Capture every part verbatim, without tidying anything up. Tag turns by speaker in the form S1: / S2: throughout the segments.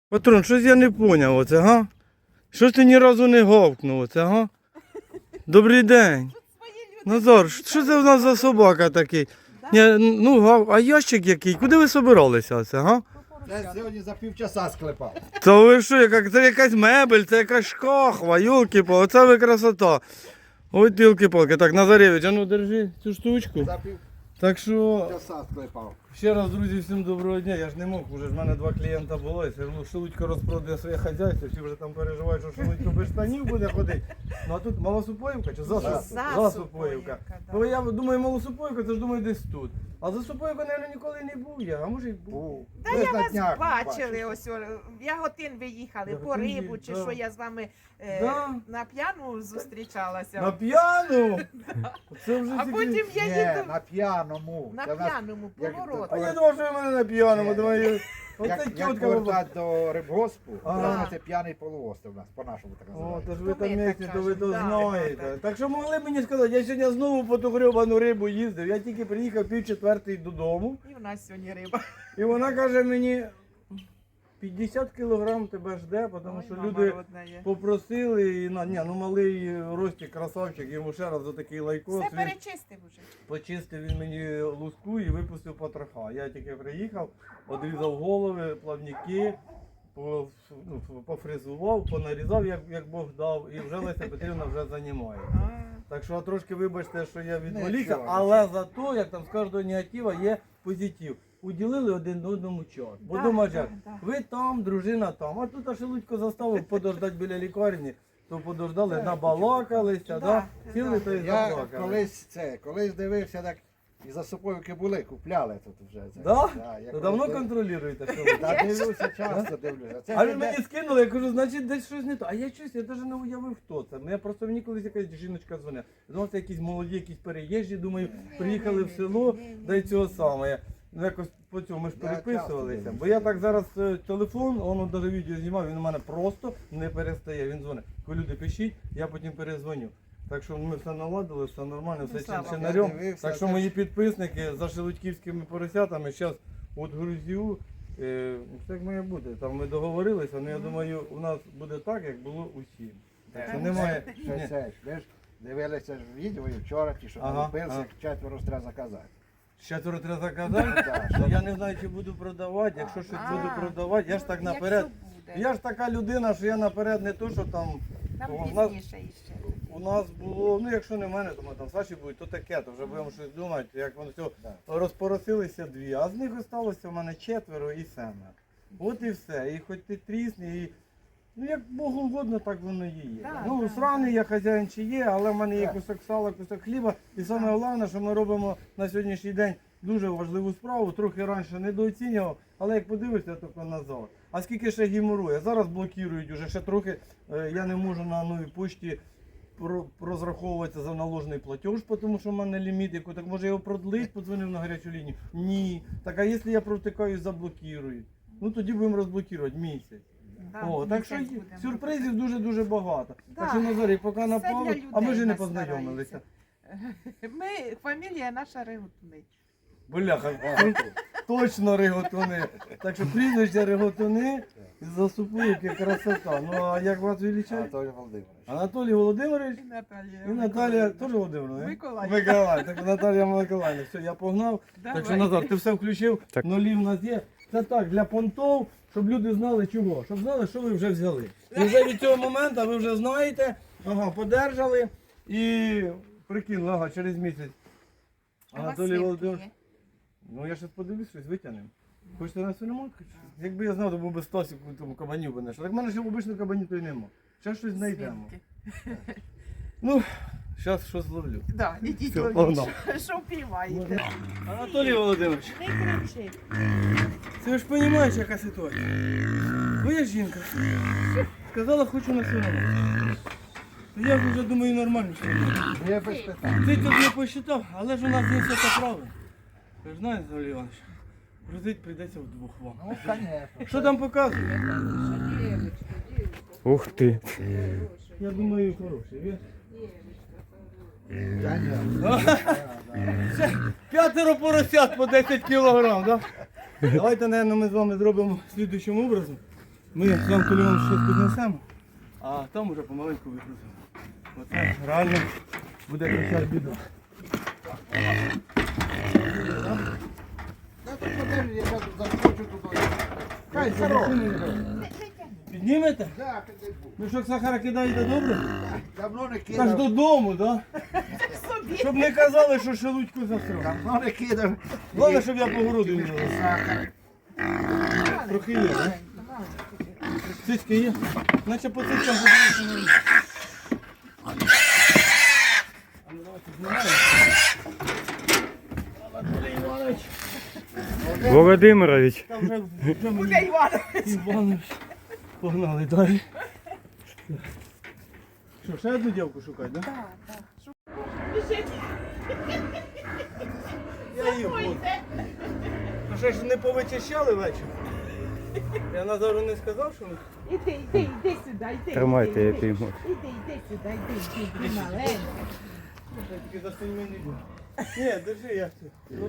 S1: Патрон, щось я не поняв оце, га? Щось ти ні разу не гавкнув оце, га? Добрий день. Назар, що це в нас за собака такий? Ні, ну, гав, а ящик який? Куди ви собиралися оце, га?
S2: Я сьогодні за півчаса склепав.
S1: Та ви що, яка, це якась мебель, це якась шкахва, йолки-палки, оце ви красота. Ой, тілки-палки. Так, Назаревич, а ну держи цю штучку.
S2: За
S1: Так що,
S2: півчаса склепав.
S1: ще раз, друзі, всім доброго дня. Я ж не мог, вже ж в мене два клієнта було, і все одно Шелудько розпродає своє хазяйство, всі вже там переживають, що Шелудько без штанів буде ходити. Ну а тут Малосупоївка чи Засуп... Засупоївка? Бо я думаю, Малосупоївка, це ж думаю десь тут. А Засупоївка, мабуть, ніколи не був я, а може й був.
S2: Був.
S3: Та
S2: Ви
S3: я
S2: на
S3: вас
S2: днях
S3: бачили, ось о, в Яготин виїхали по
S1: Яготин
S3: рибу,
S1: є,
S3: чи
S1: да.
S3: що я з вами е,
S1: Да.
S3: на п'яну зустрічалася.
S1: На п'яну? Це вже
S3: А
S1: тільки-
S3: потім я
S2: Ні,
S3: їду
S2: на п'яному.
S3: на
S2: Це в нас,
S3: п'яному
S2: як-
S3: поворот.
S1: А я думав, що ви мене на п'яному, думаю, оце
S2: Як, як
S1: тітка.
S2: повертати до рибгоспу,
S1: Ага.
S2: то це п'яний полуостров у нас, по-нашому так
S1: О,
S2: називається.
S1: то ж ви
S3: То ми
S1: там
S3: так
S1: місці, то ви то
S3: кажемо, да,
S1: знаєте.
S3: да, да.
S1: Так що могли б мені сказати, я сьогодні знову по ту гребану рибу їздив, я тільки приїхав пів четвертої додому,
S3: І в нас сьогодні риба.
S1: і вона каже мені, п'ятдесят кілограм тебе жде, тому
S3: Ой,
S1: що
S3: мама
S1: люди
S3: родна є.
S1: попросили, і на, ні, ну малий Ростик, красавчик, йому ще раз за такий лайкос,
S3: Все
S1: він
S3: перечистив уже.
S1: почистив він мені луску і випустив потроха. Я тільки приїхав, одрізав голови, плавники, по- ну, пофрезував, понарізав, як, як Бог дав, і вже Леся Петрівна вже займає.
S3: А,
S1: Так що трошки вибачте, що я відволікся,
S2: Нічого,
S1: але зато, як там з кожного негатива, є позитив. Уділили один одному час. Бо
S3: Да,
S1: думаєш,
S3: да,
S1: як,
S3: да.
S1: ви там, дружина там, а тут аж Шелудько заставив подождати біля лікарні, то подождали,
S2: Так,
S1: набалакалися,
S3: да,
S1: да?
S3: да.
S1: Сіли та й
S2: Я
S1: заплакали.
S2: колись це, колись дивився, так і засуповики були, купляли тут вже. Це.
S1: Да?
S2: я
S1: То
S2: колись
S1: давно
S2: див-
S1: контролюєте, що ви?
S2: Та дивлюся, часто дивлюся. Це
S1: А
S2: ж
S1: він
S2: не-
S1: мені скинули, я кажу, значить десь щось не то. А я щось, я навіть не уявив, хто це. Я просто мені колись якась жіночка дзвонила. Я думав, це якісь молоді, якісь переїжджі, думаю, приїхали в село, да й цього саме. Ну, якось по цьому ми ж
S2: Я
S1: переписувалися.
S2: часто
S1: Бо я так зараз е, телефон, воно навіть відео знімав, він у мене просто не перестає. Він дзвонить. Коли люди пишіть, я потім перезвоню. Так що ми все наладили, все нормально,
S3: Ну,
S1: все
S3: слава
S1: чин
S3: Богу.
S1: чинарем.
S2: Я дивився,
S1: Так що
S2: це
S1: мої
S2: ж-
S1: підписники за шелудьківськими поросятами зараз от грузю. Е, Все як має бути. Там ми договорилися, але я думаю, у нас буде так, як було усім. Так що
S3: Так.
S1: немає.
S2: Ще
S1: Ні.
S2: це ж, ви ж дивилися ж відео і вчора, ті, що
S1: Ага,
S2: налупився,
S1: ага.
S2: четверо ж треба заказати.
S1: Четверо треба заказати.
S2: Так,
S1: Ну, я не знаю, чи буду продавати. Якщо щось
S3: А.
S1: буду продавати, я ж так наперед.
S3: Якщо буде.
S1: Я ж така людина, що я наперед не то, що там.
S3: Нам
S1: у нас,
S3: пізніше іще.
S1: у нас було, ну якщо не в мене, то ми там Саші будуть, то таке, то вже будемо щось думати, як воно все.
S2: Да.
S1: Розпоросилися дві, а з них залишилося в мене четверо і семеро. От і все. І хоч ти трісни, і ну як Богу угодно, так воно і є.
S3: Да,
S1: ну,
S3: да,
S1: сраний я хазяїн чи є, але в мене є
S2: Так.
S1: кусок сала, кусок хліба. І саме головне, що ми робимо на сьогоднішній день дуже важливу справу, трохи раніше недооцінював, але як подивишся, то назад. А скільки ще гіморує? Зараз блокують уже ще трохи, е, я не можу на новій пошті про- розраховуватися за наложений платеж, тому що в мене ліміт, яку так може його продлить, подзвонив на гарячу лінію. Ні. Так а якщо я провтикаю, заблокують? Ну тоді будемо розблокувати місяць.
S3: Да,
S1: О, так що
S3: місяць будемо
S1: сюрпризів дуже-дуже багато.
S3: Да.
S1: Так що Назарій, поки
S3: Все
S1: напало,
S3: для
S1: а ми
S3: людей
S1: ж і не
S3: нас
S1: познайомилися.
S3: стараються. Ми, фамілія наша Регутний.
S1: Бляха, ну, точно риготуни. Так що прізвище риготуни засупують, як красота. Ну а як вас величають?
S2: Анатолій Володимирович.
S1: Анатолій Володимирович
S3: І Наталія.
S1: і Наталія теж Володимировна?
S3: Миколаївна.
S1: Миколаївна. Так Наталія Миколаївна. Все, я погнав.
S3: Давай.
S1: Так що Назар, ти все включив, нулі в нас є. Це так, для понтов, щоб люди знали чого. Щоб знали, що ви вже взяли. І вже від цього моменту ви вже знаєте, ага, подержали і прикинули, ага, через місяць.
S3: А у вас
S1: Анатолій
S3: свинки
S1: Володимирович.
S3: є?
S1: Ну я щось подивлюсь, щось витягнемо. Хочете на свиноматку? Якби я знав, то був би Стасик у тому кабанів би знайшов. Так в мене ще обичних кабанів то й нема. Ще щось знайдемо.
S3: Свинки.
S1: Ну, зараз щось зловлю.
S3: Да, ідіть
S1: Все,
S3: ловіть.
S1: погнав.
S3: Що впіваєте?
S1: Анатолій Володимирович,
S3: Не кричи.
S1: ти ж розумієш, яка ситуація? Твоя жінка сказала, хочу на свиноматку. Я ж вже думаю, нормально все.
S2: Я без питань.
S1: Ти тут не посчитав, але ж у нас є все це правильно. Ви ж знаєте, Анатолій Іванович, грузить прийдеться вдвох вам.
S2: Ну, звісно.
S1: Що там показує?
S4: Ух ти.
S1: Я думаю, хороший. Ви-
S2: Я ні.
S1: Ще п'ятеро поросят по десять кілограм, да? Давайте, мабуть, ми з вами зробимо слідуючим образом. Ми з Анатолієм щось піднесемо, а там уже помаленьку вигрузимо. Оце реально буде кричать біда.
S2: Та тут подержи, я зараз заскочу туди. Хай здорово.
S1: Піднімете?
S2: Так, піди був.
S1: Мішок сахара кидаєте добре?
S2: Давно не
S1: Так
S2: кидав.
S1: додому, так? Да? Щоб не казали, що шелудьку засрав.
S2: Давно не кидав.
S1: Головне, щоб я по городу не робив.
S2: Сахар.
S1: Трохи є, так? Цицьки є? Наче по цицькам подивитися не можна. А ну давайте знімаємо. Анатолій Іванович.
S4: Володимирович.
S1: Там вже, вже
S3: Буде
S1: мені
S3: Іванович.
S1: Іванович. Погнали далі. Що, ще одну дівку шукати, так? Да?
S3: Біжить.
S1: Я її буду. Ну ще ж не повичищали вечір. Я Назару не сказав, що ми...
S3: Іди, іди, іди сюди, іди.
S4: Тримайте,
S3: іди,
S4: я
S3: іди.
S4: пійму.
S3: Іди, іди сюди, іди, іди, іди, маленька.
S1: Я тільки за стільми не буду. Ні, держи, я це. Ну.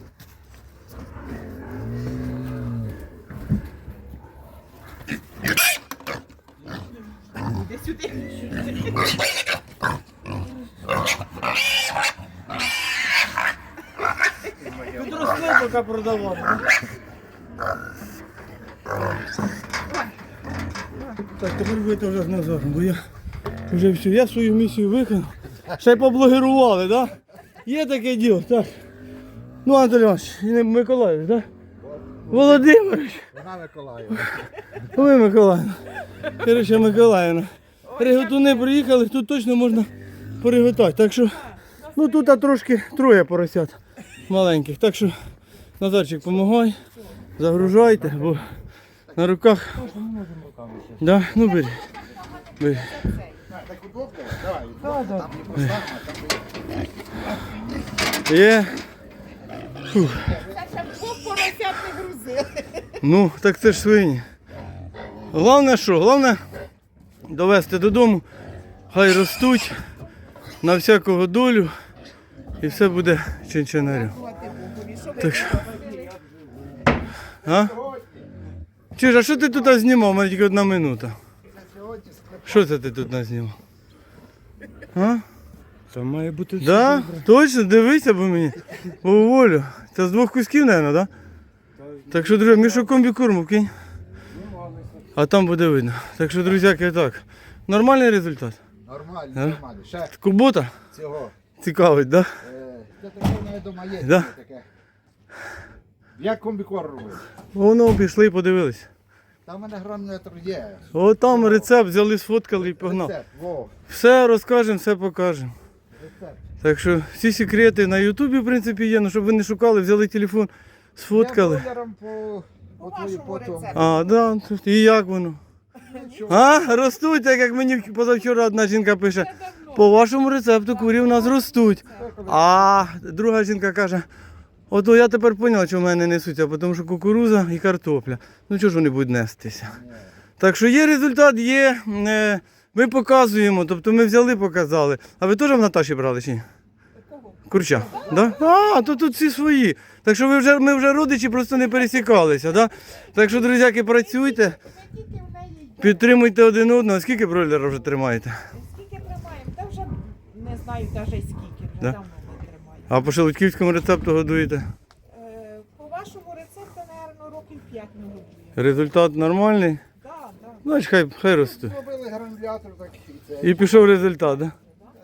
S3: Іди сюди.
S1: Тут росли, поки продавали. Так, тепер будете вже з Назаром, бо я вже все, я свою місію виконав. Ще й поблогерували, так? Да? Є таке діло, так. Ну, Анатолій Іванович, і не Миколаївич, так? Да? Володимирович,
S2: Вона Миколаївна.
S1: ви Миколаївна. Короче, Миколаївна. Риготуни приїхали, тут точно можна пориготати. Так що, ну тут а трошки троє поросят маленьких. Так що, Назарчик, помагай, загружайте, бо на руках. Да? Ну бери. Бери.
S2: Так удобно? Давай.
S1: Да, да.
S2: Там не поставимо, там
S1: Є.
S3: Це ще двох поросят не грузили.
S1: Ну, так це ж свині. Головне що? Головне довести додому, хай ростуть на всякого долю і все буде чинчинарем. Так що. А? Чиж, а що ти тут знімав? У мене тільки одна минута. Що це ти тут назнімав? А?
S4: Це має бути все
S1: Да?
S4: добре.
S1: Точно, дивися по мені. Поволю. Це з двох кусків, мабуть, так? Да? Так що, друзі, мішок комбікорму кинь. А там буде видно. Так що, друзяки, так. Нормальний результат.
S2: Нормально,
S1: А?
S2: нормально. Ще
S1: Кубота
S2: цього.
S1: цікавить, так? Да?
S2: Е, Це таке навіть дома є.
S1: Да.
S2: Таке. Як комбікор робив?
S1: Воно пішли і подивились.
S2: Там у мене гранулятор є.
S1: О, там рецепт взяли, сфоткали і погнав.
S2: Рецепт, во,
S1: Все розкажемо, все покажемо.
S2: рецепт.
S1: Так що всі секрети на Ютубі, в принципі, є, ну щоб ви не шукали, взяли телефон, сфоткали.
S2: Я блогером по, по, твою,
S3: вашому
S2: по тому.
S3: рецепту.
S1: А, да, тут і як воно? А, ростуть, так як мені позавчора одна жінка пише, по вашому рецепту курі в нас ростуть. А друга жінка каже, ото я тепер зрозуміла, що в мене не несуться, тому що кукуруза і картопля. Ну чого ж вони будуть нестися? Так що є результат, є, е, ми показуємо, тобто ми взяли, показали. А ви теж в Наташі брали чи ні? Курча? Да? А, то тут всі свої. Так що ви вже, ми вже родичі, просто не пересікалися. Да? Так що, друзяки, працюйте,
S3: Скільки в неї йде?
S1: підтримуйте один одного. Скільки бройлера вже тримаєте?
S3: Скільки тримаємо? Та вже не знаю навіть скільки, вже
S1: Да?
S3: давно не тримаємо.
S1: А по шелудьківському рецепту годуєте?
S3: Е, По вашому рецепту, мабуть, років п'ять не годує.
S1: Результат нормальний?
S3: Так, так.
S1: Значить, хай, хай ростуть.
S2: Зробили гранулятор так і це.
S1: І пішов результат, да?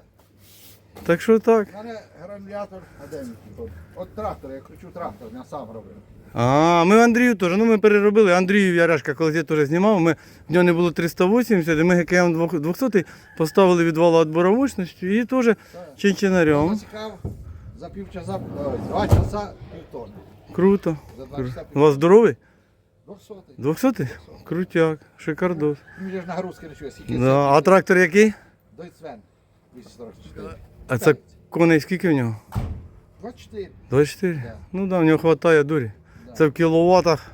S1: Так що так.
S2: У мене гранулятор, а де він тут? От трактор, я кручу трактор, я сам робив.
S1: А, ми Андрію теж, ну ми переробили. Андрію Ярешка, колись я теж знімав, ми, в нього не було триста вісімдесят, і ми ГКМ двохсот поставили відвал відбору мощності і теж чинчинарем.
S2: Засікав за півчаса, ой, два часа півтони.
S1: Круто.
S2: За два
S1: Круто.
S2: часа
S1: У
S2: півтони.
S1: вас здоровий?
S2: Двохсотий.
S1: двохсотий? Крутяк, шикардос.
S2: Мені ж нагрузки не чує, скільки
S1: Да. А трактор який?
S2: Дойцвен. двісті сорок чотири.
S1: А це коней скільки в нього?
S2: двадцять чотири.
S1: двадцять чотири?
S2: Да.
S1: Ну да, в нього вистачає дурі.
S2: Да.
S1: Це в кіловатах.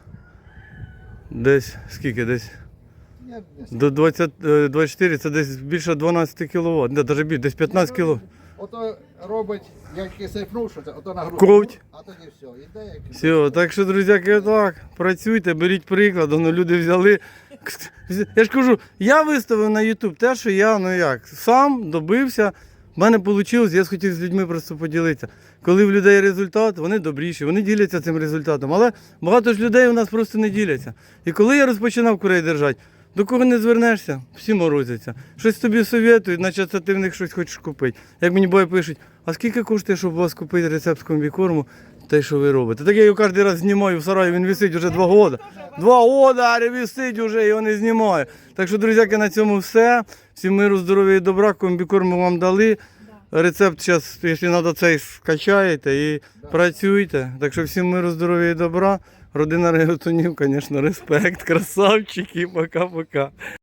S1: Десь скільки? Десь
S2: Я не знаю.
S1: до двадцять, е, двадцять чотири це десь більше дванадцять кіловат. Не, навіть більше, десь п'ятнадцять кіло.
S2: Ото робить, як я сейфнув, що це, ото нагрузка.
S1: Ковть.
S2: А тоді все, іде як.
S1: Все, так що, друзяки, так, працюйте, беріть приклад, ну, люди взяли, Я ж кажу, я виставив на YouTube те, що я, ну як, сам добився, в мене вийшло, я хотів з людьми просто поділитися. Коли в людей результат, вони добріші, вони діляться цим результатом. Але багато ж людей у нас просто не діляться. І коли я розпочинав курей держати, до кого не звернешся, всі морозяться. Щось тобі совєтують, наче це ти в них щось хочеш купити. Як мені буває пишуть, а скільки коштує, щоб у вас купити рецепт комбікорму, те, що ви робите? Так я його кожен раз знімаю в сараї, він висить вже два роки. Два роки, а висить вже, його не знімаю. Так що, друзяки, на цьому все. Всім миру, здоров'я і добра, комбікорму вам дали. Рецепт зараз, якщо треба, цей скачаєте і працюйте. Так що всім миру, здоров'я і добра. Родина Реготунів, звісно, респект, красавчики, пока-пока.